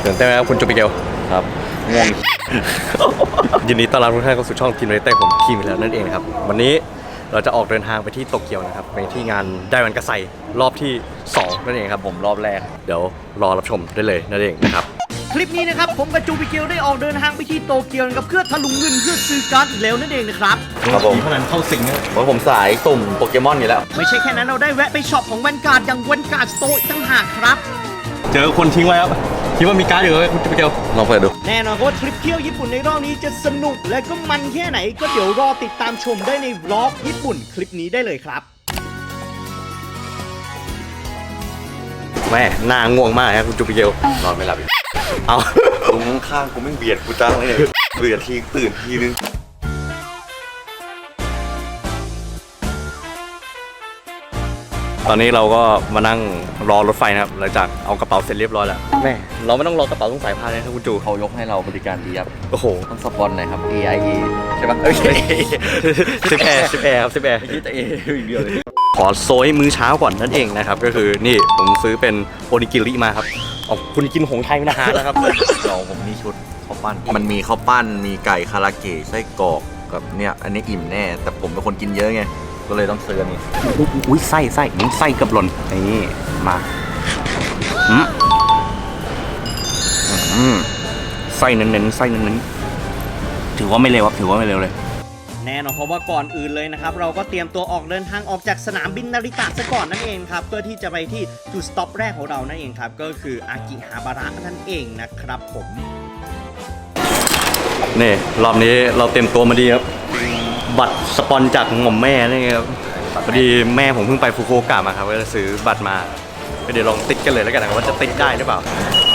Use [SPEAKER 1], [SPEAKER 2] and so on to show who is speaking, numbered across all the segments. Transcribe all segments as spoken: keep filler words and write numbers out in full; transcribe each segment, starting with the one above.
[SPEAKER 1] ตื่นเต้นไหมครับคุณจูปิเกลครับง่วง ยินดีต้อนรับทุกท่านเข้าสู่ช่องทีมเรเต้ผมทีมแล้วนั่นเองนะครับวันนี้เราจะออกเดินทางไปที่โตเกียวนะครับไปที่งานไดวันกาไซรอบที่สองนั่นเองครับผมรอบแรกเดี๋ยวรอรับชมได้เลยนั่นเองนะครับ
[SPEAKER 2] คลิปนี้นะครับผมกับจูปิเกลได้ออกเดินทางไปที่โตเกียวกับเพื่อทะลุเงินเพื่อซื้อการ์ดอีกแล้วนั่นเองนะครับ
[SPEAKER 1] ครับผมพนันเข้าสิงนะเพราะผมสายสุ่มโปเกมอนอยู่แล้ว
[SPEAKER 2] ไม่ใช่แค่นั้นเราได้แวะไปช็อปของแวนการ์ดอย่างแวนการ์ดสโตร์ตั้งหากครับ
[SPEAKER 1] เจอคนทิ้งไว้ครับคิดว่ามีการ์ดอยู่ไหมคุณจูปิเกลลองเปิดดู
[SPEAKER 2] แน่นอนว่าทริปเที่ยวญี่ปุ่นในรอบนี้จะสนุกและก็มันแค่ไหนก็เดี๋ยวรอติดตามชมได้ในวล็อกญี่ปุ่นคลิปนี้ได้เลยครับ
[SPEAKER 1] แม่หน้าง่วงมากครับคุณจูปิเกลนอนไม่หลับเอาตรงข้างกูไม่เบียดกูจ้างเลยเบียดทีตื่นทีนึงตอนนี้เราก็มานั่งรอรถไฟนะครับหลังจากเอากระเป๋าเสร็จเรียบร้อยแล้วแม่เราไม่ต้องรอกระเป๋าต้องสายพานเลยครับคุณจู
[SPEAKER 3] เขายกให้เราบริการดีครับ
[SPEAKER 1] โอ้โห
[SPEAKER 3] ต้องสปอนหน่อยครับ เอ ไอ เอ ใช่ปะ
[SPEAKER 1] โอเคสิบแอร์สิบแอร์ครับสิบแอร์
[SPEAKER 3] คิดแต่ A อย่างเดียวเลย
[SPEAKER 1] ขอโซยมื้อเช้าก่อนนั่นเองนะครับก็คือนี่ผมซื้อเป็นโอนิกิริมาครับอ๋อคุณกินหงไทยไม่นะฮะนะครับ
[SPEAKER 3] เราผมมีชุดข้าวปั้นมันมีข้าวปั้นมีไก่คาราเกะไส้กรอกกับเนี่ยอันนี้อิ่มแน่แต่ผมเป็นคนกินเยอะไงก็เลยต้องซื้อนี่
[SPEAKER 1] อุ้ยไส้ไส้ไส้กับหล่นนี่มาอืมอืมไส้เน้นๆไส้เน้นๆถือว่าไม่เร็วครับถือว่าไม่เร็วเลย
[SPEAKER 2] แน่นอนเพราะว่าก่อนอื่นเลยนะครับเราก็เตรียมตัวออกเดินทางออกจากสนามบินนาริตะซะก่อนนั่นเองครับเพื่อที่จะไปที่จุดสต็อปแรกของเรานั่นเองครับก็คืออากิฮาบาระนั่นเองนะครับผม
[SPEAKER 1] นี่รอบนี้เราเตรียมตัวมาดีครับบัตรสปอนจากหม่อมแม่นี่ครับพอดีแม่ผมเพิ่งไปฟุกุโอกะมาครับก็จะซื้อบัตรมาเดี๋ยวลองติดกันเลยแล้วกันนะว่าจะติดได้หรือเปล่า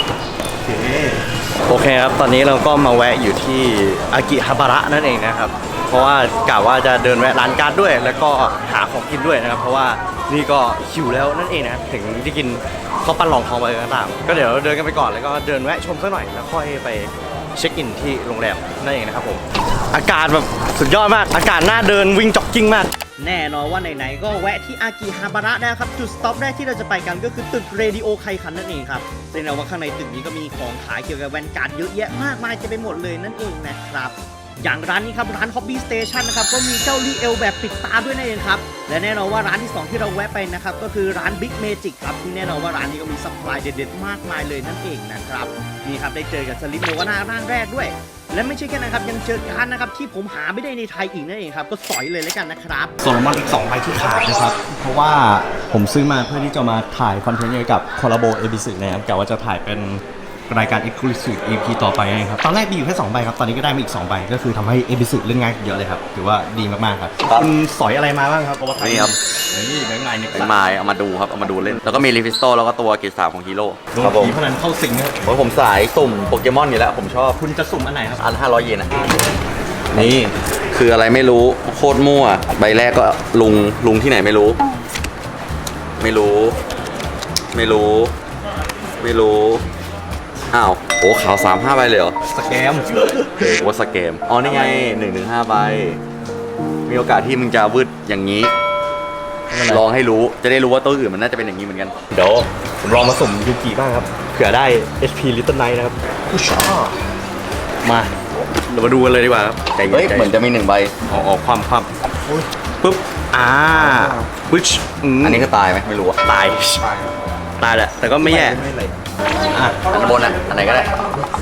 [SPEAKER 1] โอเคครับตอนนี้เราก็มาแวะอยู่ที่อากิฮาบาระนั่นเองนะครับเพราะว่ากะว่าจะเดินแวะร้านการ์ดด้วยแล้วก็หาของกินด้วยนะครับเพราะว่านี่ก็หิวแล้วนั่นเองนะถึงที่กินข้าวปั้นรองท้องไปก็ตามก็เดี๋ยวเดินกันไปก่อนแล้วก็เดินแวะชมสักหน่อยแล้วค่อยไปเช็คอินที่โรงแรมนั่นเองนะครับผมอากาศแบบสุดยอดมากอากาศน่าเดินวิ่งจ็อกกิ้งมาก
[SPEAKER 2] แน่นอนว่าไหนๆก็แวะที่อากิฮาบาระได้ครับจุดสต็อปแรกที่เราจะไปกันก็คือตึกเรดิโอไคคันนั่นเองครับแสดงว่าข้างในตึกนี้ก็มีของขายเกี่ยวกับแวนการ์ดเยอะแยะมากมายจะไปหมดเลยนั่นเองนะครับอย่างร้านนี้ครับร้าน Hobby Station นะครับก็มีเจ้าลีเอลแบบปิดตาด้วยนั่นเองครับและแน่นอนว่าร้านที่สองที่เราแวะไปนะครับก็คือร้าน Big Magic ครับที่แน่นอนว่าร้านนี้ก็มีซัพพลายเด็ดๆมากมายเลยนั่นเองนะครับนี่ครับได้เจอกับสลิปโนวาน่าร่างแรกด้วยและไม่ใช่แค่นั้นครับยังเจอการ์ดนะครับที่ผมหาไม่ได้ในไทยอีกนั่นเองครับก็สอยเลยแล้วกันนะครับ
[SPEAKER 1] ส่วนมันอีกสองใบที่ขาดนะครับเพราะว่าผมซื้อมาเพื่อที่จะมาถ่ายคอนเทนต์เกี่ยวกับคอลลาโบเอบิสึนะครับกะว่าจะถ่ายเป็นรายการ Exclusive อี พี ต่อไปนะครับตอนแรกมีอยู่แค่สองใบครับตอนนี้ก็ได้มาอีกสองใบก็คือทำให้เอบิสึเล่นง่ายเยอะเลยครับถือว่าดีมากๆครับคุณสอยอะไรมาบ้างครับ
[SPEAKER 3] นี่ครับ
[SPEAKER 1] นี่แบงค์ไงเนี่ย
[SPEAKER 3] แบงค์ไม้เอามาดูครับเอามาดูเล่นแล้วก็มีลิฟิสโตแล้วก็ตัวเกรดสามของฮีโร่
[SPEAKER 1] ครับผมพนันเข้าสิงครับ
[SPEAKER 3] เพราะผมสายสุ่มโปเกมอนอยู่แล้วผมชอบ
[SPEAKER 1] คุณจะสุ่มอันไหนครับ
[SPEAKER 3] อันห้าร้อยเยนนะนี่คืออะไรไม่รู้โคตรมั่วใบแรกก็ลุงลุงที่ไหนไม่รู้ไม่รู้ไม่รู้ไม่รู้อ้าวโอ้ขาวสามห้าใบเลยเหรอ
[SPEAKER 1] สแกม
[SPEAKER 3] โอ้สแกมอ๋อนี่ไงหนึ่งถึงห้าใบมีโอกาสที่มึงจะวืดอย่างนี้ลองให้รู้จะได้รู้ว่าตัวอื่นมันน่าจะเป็นอย่างนี้เหมือนกัน
[SPEAKER 1] เดี๋ยวผมลองมาสุ่มยูกิบ้างครับเผื่อได้ เอช พี Little Knight นะครับผู้ชอบมาเรามาดูกันเลยดีกว่าครับ
[SPEAKER 3] เฮ้ยเหมือนจะมีหนึ่งใบ
[SPEAKER 1] ออกออกความความปุ๊บอ่าปึ๊ช
[SPEAKER 3] อันนี้ก็ตายไหมไม่รู้อะ
[SPEAKER 1] ตายตายแหละแต่ก็ไม่แย่
[SPEAKER 3] อ่ะอันบนอ่ะอันไหนก็ได้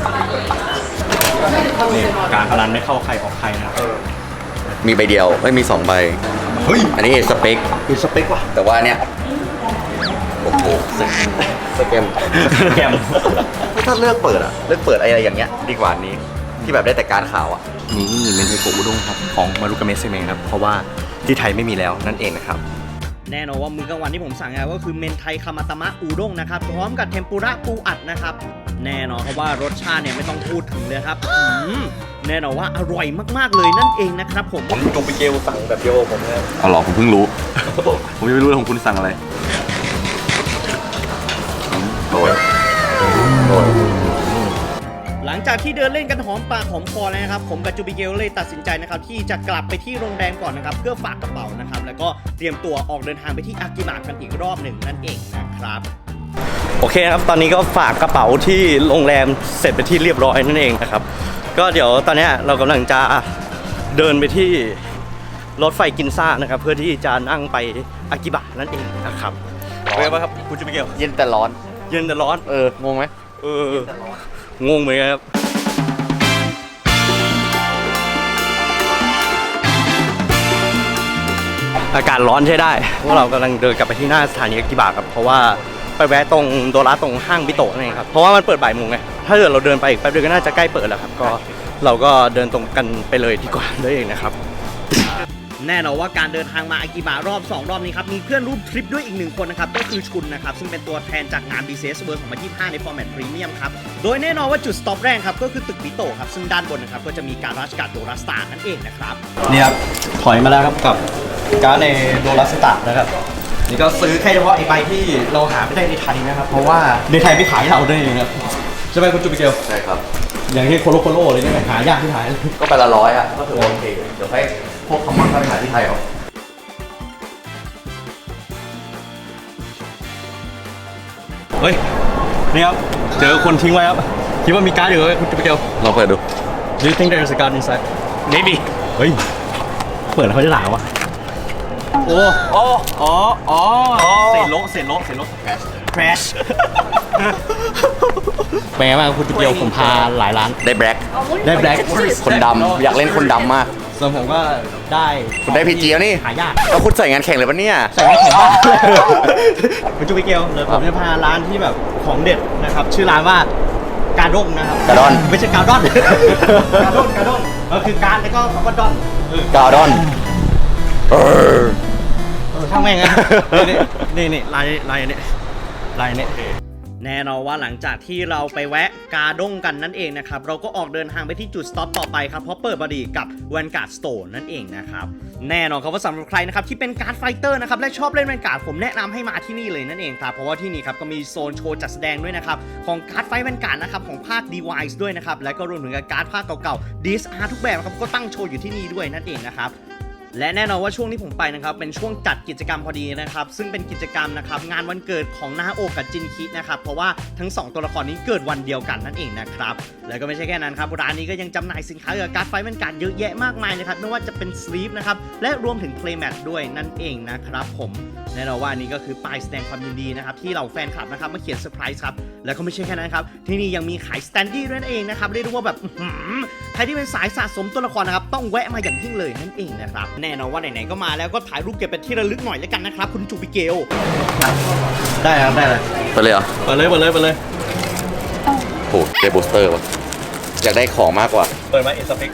[SPEAKER 1] นี่การพนันไม่เข้าใครออกใครนะครับ
[SPEAKER 3] มีใบเดียวไม่มีสองใบ
[SPEAKER 1] เฮ้ย
[SPEAKER 3] อันนี้สเปค
[SPEAKER 1] คือสเปคว่ะ
[SPEAKER 3] แต่ว่าเนี่ยโอ้โหสแกม
[SPEAKER 1] สแกม
[SPEAKER 3] ถ้าเลือกเปิดอะเลือกเปิดอะไรอย่างเงี้ยดีกว่านี้ที่แบบได้แต่การข่าวอะ
[SPEAKER 1] นี่เมนเทโกะอุด้งครับของมารุกาเมะเซเมครับเพราะว่าที่ไทยไม่มีแล้วนั่นเองนะครับ
[SPEAKER 2] แน่นอนว่ามื้อกลางวันที่ผมสั่งก็คือเมนไทคามาตามะอูด้งนะครับพร้อมกับเทมปุระปูอัดนะครับแน่นอนครับว่ารสชาติเนี่ยไม่ต้องพูดถึงเลยครับแน่นอนว่าอร่อยมากๆเลยนั่นเองนะครับผม
[SPEAKER 1] ผมจงไปเกลสั่งแบบเดียวผมเลย
[SPEAKER 3] อ๋อหรอผมเพิ่งรู้ผมยังไม่รู้ของคุณสั่งอะไรโดยโดย
[SPEAKER 2] หลังจากที่เดินเล่นกันหอมปากหอมคอแล้วนะครับผมกับจูบิเกลเลยตัดสินใจนะครับที่จะกลับไปที่โรงแรมก่อนนะครับเพื่อฝากกระเป๋านะครับแล้วก็เตรียมตัวออกเดินทางไปที่อากิมะกันอีกรอบหนึ่งนั่นเองนะครับ
[SPEAKER 1] โอเคครับตอนนี้ก็ฝากกระเป๋าที่โรงแรมเสร็จไปที่เรียบร้อยนั่นเองนะครับก็เดี๋ยวตอนนี้เรากำลังจะเดินไปที่รถไฟกินซ่านะครับเพื่อที่จะนั่งไปอากิบะนั่นเองนะครับเป็นไงบ้างครับคุณจูมิเกล
[SPEAKER 3] เย็นแต่ร้อน
[SPEAKER 1] เย็นแต่ร้อน
[SPEAKER 3] เอองงไหม
[SPEAKER 1] เอองงเหมือนกันครับอากาศร้อนใช้ได้พวกเรากำลังเดินกลับไปที่หน้าสถานีอากิบะครับเพราะว่าไปแวะตรงโดราตรงห้างบิโตะนั่นเองครับเพราะว่ามันเปิดบ่ายโมงไงถ้าเกิดเราเดินไปอีกแป๊บเดียวก็น่าจะใกล้เปิดแล้วครับก็เราก็เดินตรงกันไปเลยดีกว่านั่นเองนะครับแน่นอนว่าการเดินทางมาอากิบะรอบสองรอบนี้ครับมีเพื่อนร่วมทริปด้วยอีกหนึ่งคนนะครับก็คือชุนนะครับซึ่งเป็นตัวแทนจากงาน บี ซี เอส World สองพันยี่สิบห้าในฟอร์แมตพรีเมียมครับโดยแน่นอนว่าจุดสต็อปแรกครับก็คือตึกบิโตะครับซึ่งด้านบนนะครับก็จะมีการราชการโดราสตาร์นั่นเองนะครับนี่ครับถอยมาแล้วครับกับการในโดราสตาร์นะครับนี่ก็ซื้อแค่เฉพาะไอ้ใบที่เราหาไม่ได้ในไทยนะครับเพราะว่าในไทยไม่ขายให้เราด้วยเองครับใช่ไหมคุณจูบิเกล
[SPEAKER 3] ใช่ครับ
[SPEAKER 1] อย่างที่โคโลโคโลเลยเนี่ยหายากที่ไทย
[SPEAKER 3] ก็ไปละร้อยอ่ะก็ถือว่าโอเคเดี๋ยวให้พวกคำมั่นไปหาที่ไทยเอา
[SPEAKER 1] เฮ้ยนี่ครับเจอคนทิ้งไว้ครับคิดว่ามีการ์ดอยู่ไหมคุณจูบิเกล
[SPEAKER 3] ลองเปิดดู
[SPEAKER 1] Do you think there is a card inside
[SPEAKER 2] maybe
[SPEAKER 1] เฮ้ยเปิดแล้วเขาจะด่าวะโอ้โอ้อ๋ออ๋อเศษโลเศษโลเศษโล crash เป็นไงบ้างคุณจูบิเกลผมพาหลายร้าน
[SPEAKER 3] ได้แบล็ค
[SPEAKER 1] ได้แบล็ค
[SPEAKER 3] คนดำอยากเล่นคนดำมาก
[SPEAKER 1] ส่วนผมก็ได้
[SPEAKER 3] คุณได้พีจีแล้วนี่
[SPEAKER 1] หายาก
[SPEAKER 3] แล้วคุณใส่งานแข่งเลยปะเนี่ย
[SPEAKER 1] ใส่ไม่แข็งบ้างคุณจูบิเกลเดี๋ยวผมจะพาร้านที่แบบของเด็ดนะครับชื่อร้านว่ากาด้งนะครับ
[SPEAKER 3] กาดอน
[SPEAKER 1] ไม่ใช่กาดอนกาด้งกาด้งก็คือการแล้วก็คำว่าดอนเออ
[SPEAKER 3] กาดอนเออ
[SPEAKER 1] เออช่างแม่งนะนี่นี่นี่ลายลายอันนี้ลายอันนี้แน่นอนว่าหลังจากที่เราไปแวะกาด้งกันนั่นเองนะครับเราก็ออกเดินทางไปที่จุดสต็อปต่อไปครับเพราะเปิดพอดีกับ Vanguard Store นั่นเองนะครับแน่นอนครับว่าสำหรับใครนะครับที่เป็นการ์ดไฟเตอร์นะครับและชอบเล่น Vanguard ผมแนะนำให้มาที่นี่เลยนั่นเองครับเพราะว่าที่นี่ครับก็มีโซนโชว์จัดแสดงด้วยนะครับของการ์ดไฟ Vanguard นะครับของภาค Device ด้วยนะครับและก็รวมถึงกับการ์ดภาคเก่าๆ ดี เอส อาร์ ทุกแบบครับก็ตั้งโชว์อยู่ที่นี่ด้วยนั่นเองนะครับและแน่นอนว่าช่วงที่ผมไปนะครับเป็นช่วงจัดกิจกรรมพอดีนะครับซึ่งเป็นกิจกรรมนะครับงานวันเกิดของนาโอกับจินคินะครับเพราะว่าทั้งสองตัวละครนี้เกิดวันเดียวกันนั่นเองนะครับแล้วก็ไม่ใช่แค่นั้นครับร้านนี้ก็ยังจำหน่ายสินค้าเกี่ยวกับการ์ดไฟท์แวนการ์ดเยอะแยะมากมายนะครับไม่ว่าจะเป็นสลีฟนะครับและรวมถึงเพลย์แมทด้วยนั่นเองนะครับผมแน่นอนว่านี่ก็คือป้ายแสดงความยินดีนะครับที่เหล่าแฟนคลับนะครับมาเขียนเซอร์ไพรส์ครับแล้วก็ไม่ใช่แค่นั้นครับที่นี่ยังมีขายสแตนดี้ด้วยนั่นเองนะครับเรียกได้ว่าแบบใครที่เป็นสายสะสมตัวละครนะครับต้องแวะมาอย่างยิ่งเลยนั่นเองนะครับแน่นอนว่าไหนๆก็มาแล้วก็ถ่ายรูปเก็บเป็นที่ระลึกหน่อยแล้วกันนะครับคุณจูบิเกลได้ครับได้เลย
[SPEAKER 3] ไปเลยเหรอ
[SPEAKER 1] เปิดเลยเปิดเลยเปิดเลย
[SPEAKER 3] โหได้บูสเตอร์ว่ะอยากได้ของมากกว่า
[SPEAKER 1] เปิดมาเอสเปก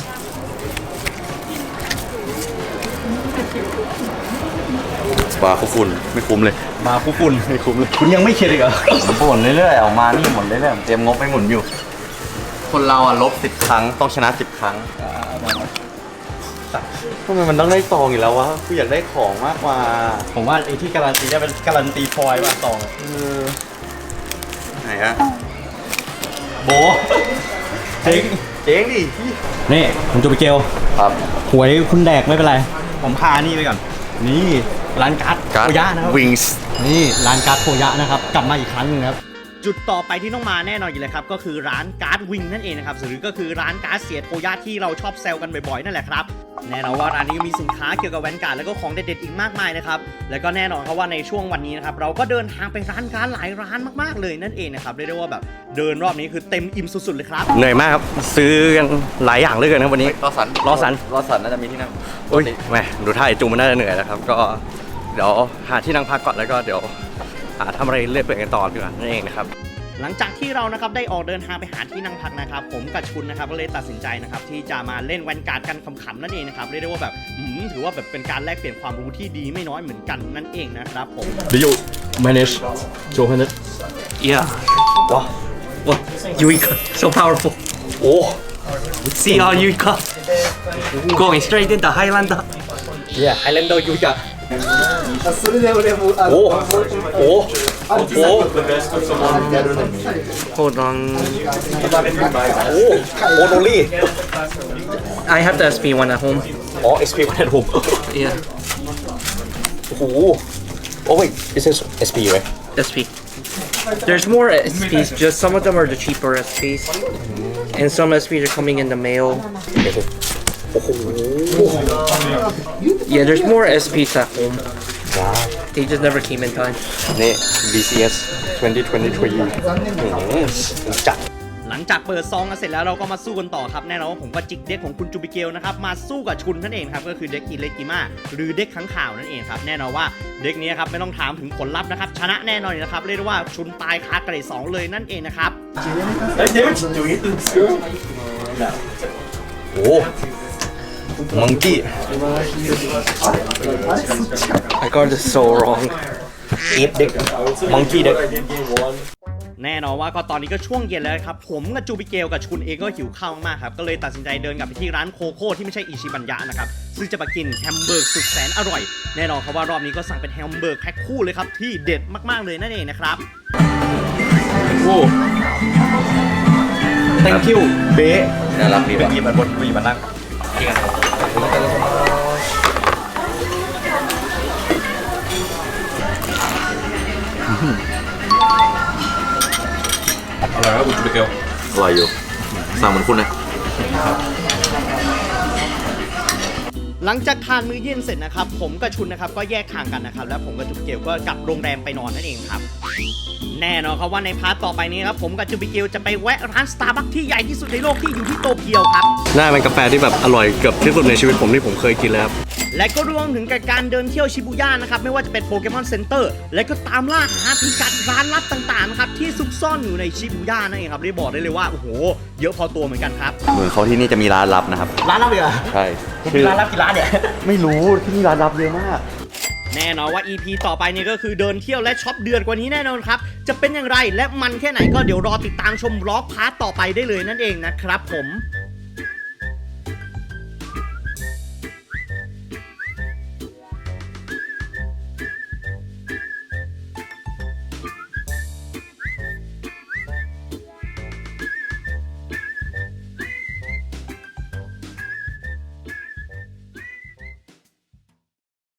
[SPEAKER 3] บาร์คุคุณไม่คุ้มเลย
[SPEAKER 1] มาคุคุณไม่คุ้มเลยคุณยังไม่เข็ดอีกเหรอ
[SPEAKER 3] ผมบ่นเรื่อยๆออกมานี่หมดเรื่อยๆเตรียมงบไปหมุนอยู่ คนเราอ่ะลบสิบครั้งต้องชนะสิบครั้งทำไมมันต้องได้ซองอีกแล้ววะกูอยากได้ของมากกว่า
[SPEAKER 1] ผมว่าไอ้ที่การันตีจะเป็นการันตีฟอยล์ว่าซอง
[SPEAKER 3] เออไหนอะ
[SPEAKER 1] โบเจ๊ง
[SPEAKER 3] เจ๊งดิ
[SPEAKER 1] นี่คุณจูบิเกล
[SPEAKER 3] ครับ
[SPEAKER 1] หวยคุณแดกไม่เป็นไรผมพานี่ไปก่อนนี่ร้านการ์ดโคยะนะครับ
[SPEAKER 3] วิงส์
[SPEAKER 1] นี่ร้านการ์ดโคยะนะครับกลับมาอีกครั้งหนึงครับจุดต่อไปที่ต้องมาแน่นอนอยู่เลยครับก็คือร้านการ์ดวิงนั่นเองนะครับหรือก็คือร้านการ์ดเสียโคยะที่เราชอบแซวกันบ่อยๆนั่นแหละครับแน่นอนว่าร้านนี้ก็มีสินค้าเกี่ยวกับแวนการ์ดแล้วก็ของเด็ดๆอีกมากมายนะครับแล้วก็แน่นอนครับว่าในช่วงวันนี้นะครับเราก็เดินทางไปร้านการ์ดหลายร้านมากๆเลยนั่นเองนะครับเรียกได้ว่าแบบเดินรอบนี้คือเต็มอิ่มสุดๆเลยครับเหนื่อยมากครับซื้อกันหลายอย่างเลยกันนะวันนี้
[SPEAKER 3] รอสัน
[SPEAKER 1] รอสัน
[SPEAKER 3] รอสันน่าจะมีที่นั่ง
[SPEAKER 1] อุ้ยแหมดูท่าไอจูมันน่าจะเหนื่อยแล้วครับก็เดี๋ยวหาที่นั่งพักก่อนแล้วก็เดี๋ยวหาทำอะไรเรื่อยเปื่อยกันต่อดีกว่านั่นเองนะครับหลังจากที่เรานะครับได้ออกเดินทางไปหาที่นั่งพักนะครับผมกับชุนนะครับก็เลยตัดสินใจนะครับที่จะมาเล่นแวนการ์ดกันขำๆนั่นเองนะครับเรียกได้ว่าแบบถือว่าแบบเป็นการแลกเปลี่ยนความรู้ที่ดีไม่น้อยเหมือนกันนั่นเองนะครับผม
[SPEAKER 4] Do you manage two hundred?
[SPEAKER 2] Yeah.
[SPEAKER 4] Wow.
[SPEAKER 2] What? Yuika. So powerful.
[SPEAKER 4] Oh.
[SPEAKER 2] See all Yuika. Going straight into Highlander.
[SPEAKER 4] Yeah, Highlander Yuika. Oh. Oh. Oh.
[SPEAKER 2] Hold on.
[SPEAKER 4] Oh. Oh, only.
[SPEAKER 2] I have the S P one at home.
[SPEAKER 4] Oh, S P one at home.
[SPEAKER 2] Yeah.
[SPEAKER 4] Oh. Oh wait, this is S P, right?
[SPEAKER 2] S P.
[SPEAKER 5] There's more S Ps, just some of them are the cheaper S Ps. And some S Ps are coming in the mail. Yeah, there's more S Ps at home. They just never came in time.
[SPEAKER 1] นี่ บี ซี เอส twenty twenty-three อืมจัด
[SPEAKER 2] หลังจากเปิดซองกันเสร็จแล้วเราก็มาสู้กันต่อครับแน่นอนว่าผมก็จิกเด็กของคุณจูบิเกลนะครับมาสู้กับชุนนั่นเองครับก็คือเด็กอิเลกิมาหรือเด็กขังข่าวนั่นเองครับแน่นอนว่าเด็กนี้ครับไม่ต้องถามถึงผลลัพธ์นะครับชนะแน่นอนนะครับเรียกได้ว่าชุนตายคาเกรดสองเลยนั่นเองนะครับ
[SPEAKER 1] โอ้มังกี้
[SPEAKER 5] I got this so wrong.
[SPEAKER 1] เอฟเด็กมังกี้เด็ก
[SPEAKER 2] แน่นอนว่าก็ตอนนี้ก็ช่วงเย็นแล้วครับผมกับจูบิเกลกับชุนเองก็หิวข้าวมากครับก็เลยตัดสินใจเดินกลับไปที่ร้านโคโค่ที่ไม่ใช่อิชิบันยะนะครับซึ่งจะมากินแฮมเบอร์กสุดแสนอร่อยแน่นอนครับว่ารอบนี้ก็สั่งเป็นแฮมเบอร์กแพ็คคู่เลยครับที่เด็ดมากๆเลยนั่นเองนะครับ
[SPEAKER 1] โอ้ thank you เบ๊
[SPEAKER 3] น่ารักดี
[SPEAKER 1] เป็น
[SPEAKER 3] ว่ะ
[SPEAKER 1] ยีมันบนวีมันนั่ง
[SPEAKER 3] อร่อยอยู่ สั่งเหมือนคุณนะ
[SPEAKER 2] หลังจากทานมื้อเย็นเสร็จนะครับผมกับชุนนะครับก็แยกทางกันนะครับแล้วผมกับจูบิเกลก็กลับโรงแรมไปนอนนั่นเองครับแน่นอนครับว่าในพาร์ทต่อไปนี้ครับผมกับจูบิเกลจะไปแวะร้านสตาร์บัคที่ใหญ่ที่สุดในโลกที่อยู่ที่โตเกียวครับ
[SPEAKER 1] น่าเป็นกาแฟที่แบบอร่อยเกือบที่สุดในชีวิตผมที่ผมเคยกินเลยครับ
[SPEAKER 2] และก็รวมถึงการเดินเที่ยวชิบูย่านะครับไม่ว่าจะเป็นโปเกมอนเซ็นเตอร์และก็ตามล่าหาพิกัดร้านลับต่างๆนะครับที่ซุกซ่อนอยู่ในชิบูย่านั่นเองครับได้บอกได้เลยว่าโอ้โหเยอะพอตัวเหมือนกันครับ
[SPEAKER 3] เหมือนเขาที่นี่จะมีร้านลับนะครับ
[SPEAKER 1] ร้านลับเลยเหรอ
[SPEAKER 3] ใช่
[SPEAKER 1] คือร้านลับกี่ร้านเนี่ย ไม่รู้ที่นี่ร้านลับเยอะมาก
[SPEAKER 2] แน่นอนว่า อี พี ต่อไปเนี่ยก็คือเดินเที่ยวและช็อปเดือนกว่านี้แน่นอนครับจะเป็นอย่างไรและมันแค่ไหนก็เดี๋ยวรอติดตามชมบล็อกพาร์ทต่อไปได้เลยนั่นเองนะครับผม